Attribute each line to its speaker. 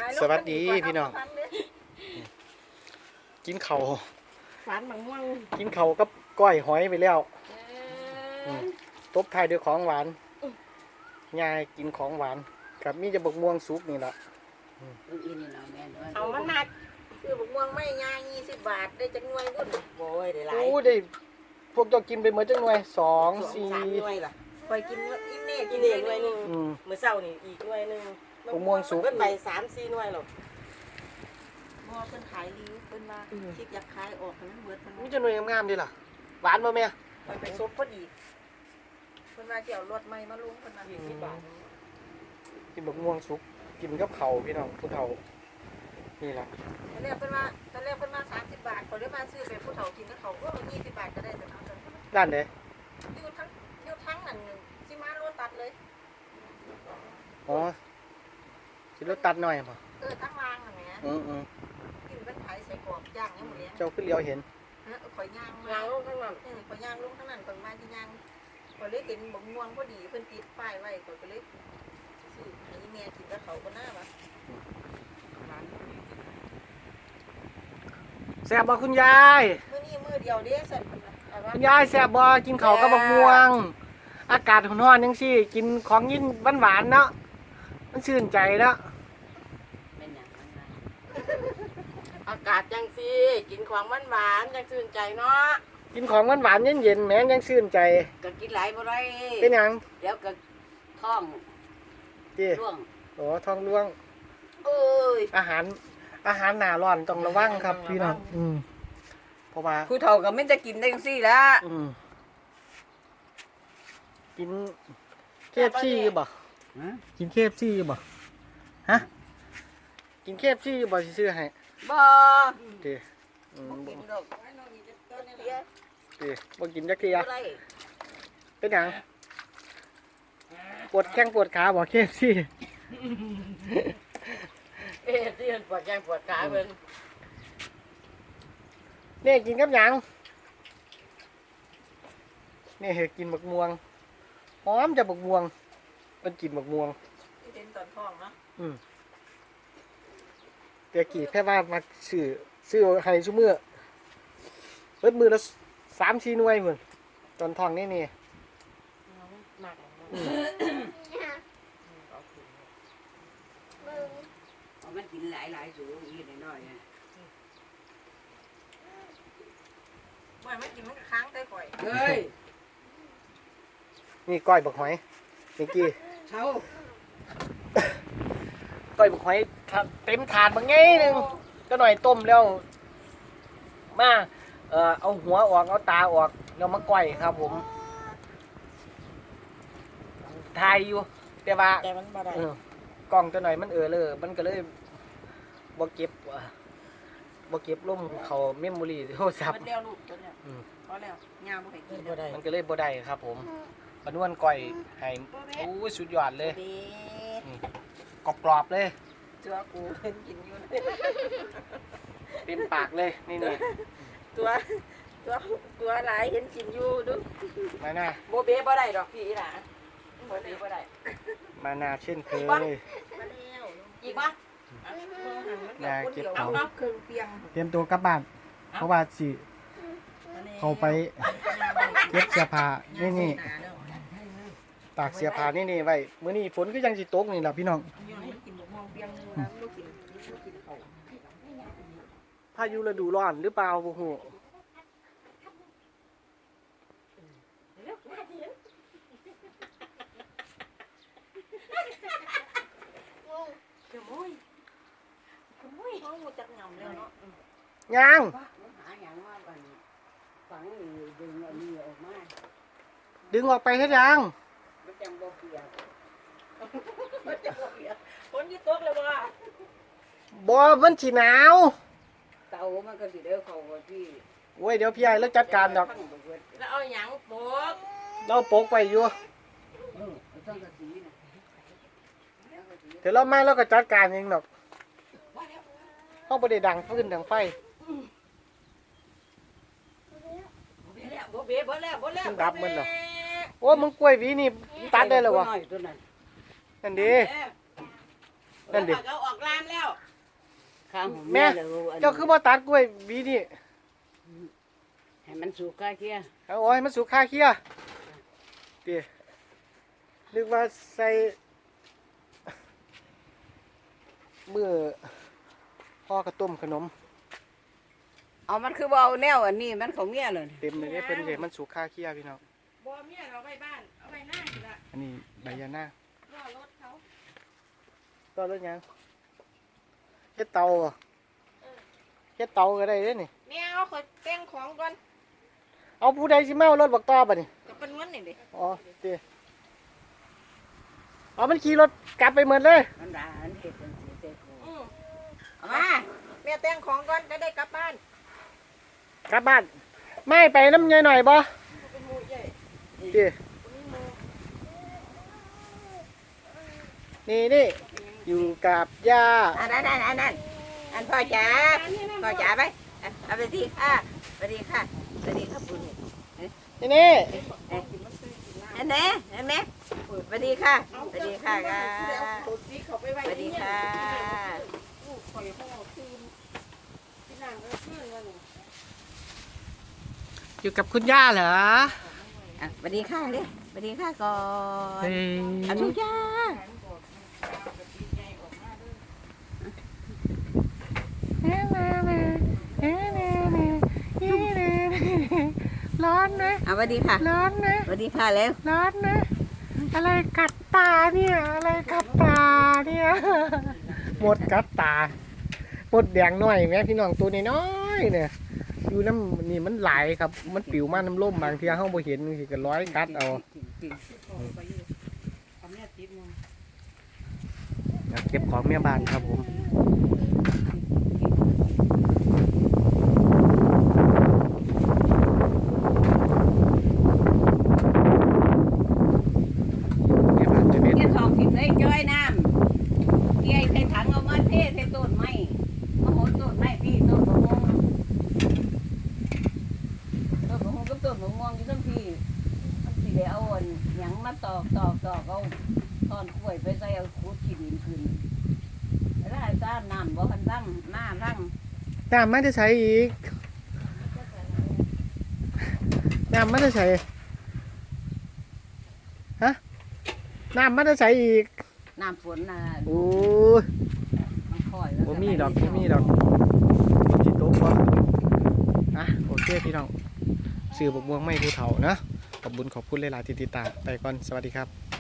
Speaker 1: สวัสดีพี่น้องกินเขา
Speaker 2: ฝันบางม่วง
Speaker 1: กินเขากับก้อยหอยไปแล้วตบท้ายด้วยของหวานยายกินของหวานกับมีจะบกม่วงสุกนี่แหละ
Speaker 2: เอามันหนักคือบกม่วงไม่ง่าย20 บาทได้จังหน่วยบุญโว้ยได้หลาย
Speaker 1: ได้พวกเจ้ากินไปเหมือนจังหน่วย2 4
Speaker 2: 3 หน่วยล่ะคอยกินอิ่มเน่กินเน่หน่วยนึงมื้อเช้านี่อีกหน่วยนึง
Speaker 1: บกม่วงสุก
Speaker 2: เพิ่นไป3-4 หน่วยหรอกบ่เพิ่นขายรีเพิ่นว่าคิดอยากขายออกนั้นเบิดมัน
Speaker 1: มีจะหน่วยงามๆดิล่ะหวานบ่แม่
Speaker 2: ไปซบพอดีเพิ่นว่าสิเอารถใหม่มาลงเพิ่นว่า20 บาท
Speaker 1: กินบกม่วงสุกกินกับเขาพี่น้องผู้เฒ่านี่ล่ะ
Speaker 2: ตอนแรกเพิ่นว่า30 บาทเขาเลยมาซื้อไปผู้เฒ่ากินกับเขาก็20 บาทก็ได้แต่เอา
Speaker 1: ด้านใด
Speaker 2: อยู่ทั้งนั่นสิมาโลตัดเลย
Speaker 1: อ๋อสิรถตัดหน่อยบ่
Speaker 2: ทั้งรางนั่นแหละกินเป็นไผใส่กรอบย่างยังหมดเลย
Speaker 1: เจ้าขึ้นเลี้ยวเห็น
Speaker 2: ข่อยย่างลงข้างนั้นข่อยย่างลงข้างนั้นเพิ่นมาที่ย่างข่อยเลยเห็นบกม่วงพอดีเพิ่นติดป้ายไว้ข่อยก็เลยซื้อให้แม่กินกับเขาก็น่าว่ะ
Speaker 1: แซ่บบ่คุณยาย
Speaker 2: มื้อนี้มื้อเดียวเด้สั่น
Speaker 1: คุณยายแซ่บบ่กินข้าวกับบักม่วงอากาศร้อนๆจังซี่กินของยินหวานๆเนาะมันชื่นใจเนาะ
Speaker 2: เป็นหยังอากาศจังซี่กินของหวานๆจังชื่นใจเนาะ
Speaker 1: กินของหวานๆเย็นๆแม่ยังชื่นใจ
Speaker 2: ก็กินหลายบ่ได้
Speaker 1: เป็นหยัง
Speaker 2: เดี๋ยวก็ท้องร่วง
Speaker 1: โอ้ท้องร่วง
Speaker 2: เอ้ย
Speaker 1: อาหารหน้าร้อนต้องระวังครับพี่น้องเพราะว่า
Speaker 2: ผู้เฒ่าก็ไม่จะกินได้จังซี่ละ
Speaker 1: กินKFCอยู่บ่กินKFCอยู่บ่ฮะกินKFCอยู่บ่สิซื้อให้
Speaker 2: บ่
Speaker 1: ติ
Speaker 2: กินดอก
Speaker 1: บ่กินจักเที่ยเป็นหยังปวดแข้งปวดขาบ่KFC
Speaker 2: ที่มันปวดแข้งปวดขาเพิ่น
Speaker 1: นี่กินกับหยังนี่กินบักม่วงหอมจะบักม่วงเป็นกินบักม่วง
Speaker 2: เป็นตอนท้องเนาะ
Speaker 1: แต่กี่แค่ว่ามาซื้อให้ซุมื้อเบิดมื้อละ3-4 หน่วยพุ่นตอนท้องนี่
Speaker 2: หนักมันกินหลายสูงอีกน้อยไม่มันกินมันก็ค้างได้ก่อยเฮ้ย
Speaker 1: นี่ก้อยบักหอยนี่กี้
Speaker 2: เช้า
Speaker 1: ก้อยบักหอยเต็มถาดบางไงนึงก็หน่อยต้มแล้วมาเอาหัวออกเอาตาออกแล้วมาก้อยครับผมทายอยู่แต่ว่า
Speaker 2: มันบ่ได้
Speaker 1: กล้องตัวหน่อยมันเลยมันก็เลยบ่เก็บลมเขาเมมโมรี่โทรศัพท์
Speaker 2: มันแล้วลูกตัวเนี้ยพอแล้วยามบ่ให้กิน
Speaker 1: มันก็เลยบ่ได้ครับผมปนวนก้อยให้โอ้สุดยอดเลยกรอบๆเลย
Speaker 2: เจ้ากูเห็นกินอยู่
Speaker 1: เต็มปากเลยนี่
Speaker 2: ตัวหลายเห็นกินอยู่ดู
Speaker 1: มาหน้า
Speaker 2: โบเบ้บ่ได้ดอกพี่ล่ะโบเบ้บ่ได้
Speaker 1: มาหน้าเช่นเคย
Speaker 2: อีกป่ะ
Speaker 1: ยาเก็บของ
Speaker 2: เครื่องเปียง
Speaker 1: เตรียมตัวกลับบ้านเพราะว่าสิเขาไปเก็บเสื้อผ้านี่ตากเสื้อผ้านี่ไว้มื้อนี้ฝนก็ยังสิตกนี่ล่ะพี่น้องพายุฤดูร้อนหรือเปล่าบ่ฮู้ยังดึงออกไปให้ยัง
Speaker 2: ฝนที่ตกเลยว่ะ
Speaker 1: บ่มันสิหนาว
Speaker 2: เตามันก็สิเด้อเขาว่าพี่
Speaker 1: โอ้ยเดี๋ยวพี่ใหญ่แล้วจัดการดอก
Speaker 2: แล้วเอาหยังโปก
Speaker 1: เราโปกไว้อยู่เดี๋ยวเรามาแล้วก็จัดการเองดอกเฮาบ่ได้ดังฟืนดังไฟดับมันเหรอโอ้มึงกล้วยวีนี่ตัดได้แล้ววะนั่นดีนั่นดิ
Speaker 2: เขาออกลามแล้ว
Speaker 3: ข้างผม
Speaker 1: แม่เจ้าคือบ่ตัดกล้วยบีนี่
Speaker 3: ให้มันสุกก็เคี้ย
Speaker 1: เอาโอ้ยมันสุกคาเคียตินึกว่าใส่มื้อพ่อกระต้มขนม
Speaker 3: เอามันคือบ่เอาแนวอันนี้มันของเมียเลย
Speaker 1: เต็มเลยเด้เพิ่นเห็นมันสุกคาเคียพี่น้อง
Speaker 2: บัวเมียเราไปบ้านเอาไปหน้าสิละ
Speaker 1: อันนี้ใบยานา
Speaker 2: รอรถเขา
Speaker 1: ก็รถยังเฮ็ดเตาบ่เฮ็ดเตาก็ได้เด้นี่
Speaker 2: แม่เอาขอแต่งของก่อน
Speaker 1: เอาผู้ใดสิมาเอารถบักต่อบัดนี้
Speaker 2: จะเป็นวันนี่ดิ
Speaker 1: อ๋อติเอามันขี่รถกลับไปหมดเลย
Speaker 3: มันด่าอันเฮ็ดจังซี่เจ้าโค
Speaker 2: อืม
Speaker 3: เอามา
Speaker 2: แม่แต่งของก่อนจะได้กลับบ้าน
Speaker 1: กลับบ้านไม่ไปน้ำยายหน่อยบ่
Speaker 2: เป็นหมูใหญ่
Speaker 1: ตินี่อยู่กับย่า
Speaker 3: อันนั้นอันพ่อจ๋าพ่อจ๋าไปเอาไปดีค่ะไปดีค่ะไปดีค่ะปุ่น
Speaker 1: นี่
Speaker 3: อันนี้เห็นไหมไปดีค่ะไปดีค่ะค่ะ
Speaker 2: สวัสดีค่ะลูกข่อยเขาเอาคืนพี่นางก็คืนว่าหนู
Speaker 1: อยู่กับคุณย่าเหรอ
Speaker 3: ไปดีค่ะเลยไปดีค่ะก่อน
Speaker 1: เฮ้ย
Speaker 3: อนุญาต
Speaker 1: ร้อนนะ
Speaker 3: เอาไปดีค่ะ
Speaker 1: ร้อนนะ
Speaker 3: ไปดีค่ะเร็ว
Speaker 1: ร้อนนะ อะไรกัดตาเนี่ย อะไรกัดตาเนี่ย หมดกัดตาหมดแดงน้อยแม่พี่น้องตัวน้อยๆเนี่ยอยู่น้ำนี่มันไหลายครับ มันปิวมาน้ำล่มบางทีเฮาบ่เห็นสิก็ร้อยกัดเอาเก็บของเมียบ้านครับผมเมียบ้านจะเป็น
Speaker 3: เกี่ยทองผิดเลยจ้อยน้ำเกี่ยใส่ถังเอามาเทใส่ต้นไม้มาโหนต้นไม้พี่ต้นมะม่วงกับต้นมะม่วงอยู่ทั้งพี่มันสิได้เอาอันหยังมาตอกเอาตอนกล้วยไปใส่เอาขุดขี้ดินขึ้นแล้วให้ต้านน้ำบ่คันตั้งหน้าตั้ง
Speaker 1: น้ำมันจะใช้อีกน้ำมันจะใช้ฮะน้ำมันจะใช้อีก
Speaker 3: น้ำฝนน่ะ
Speaker 1: โอ้ย
Speaker 3: มันค่อย
Speaker 1: บ่มีดอกบ่มีดอกจิตตกบ่อ่ะโอเคพี่น้องซื้อบกม่วงไม่ผู้เฒ่านะขอบคุณหลายๆที่ติดตามไปก่อนสวัสดีครับ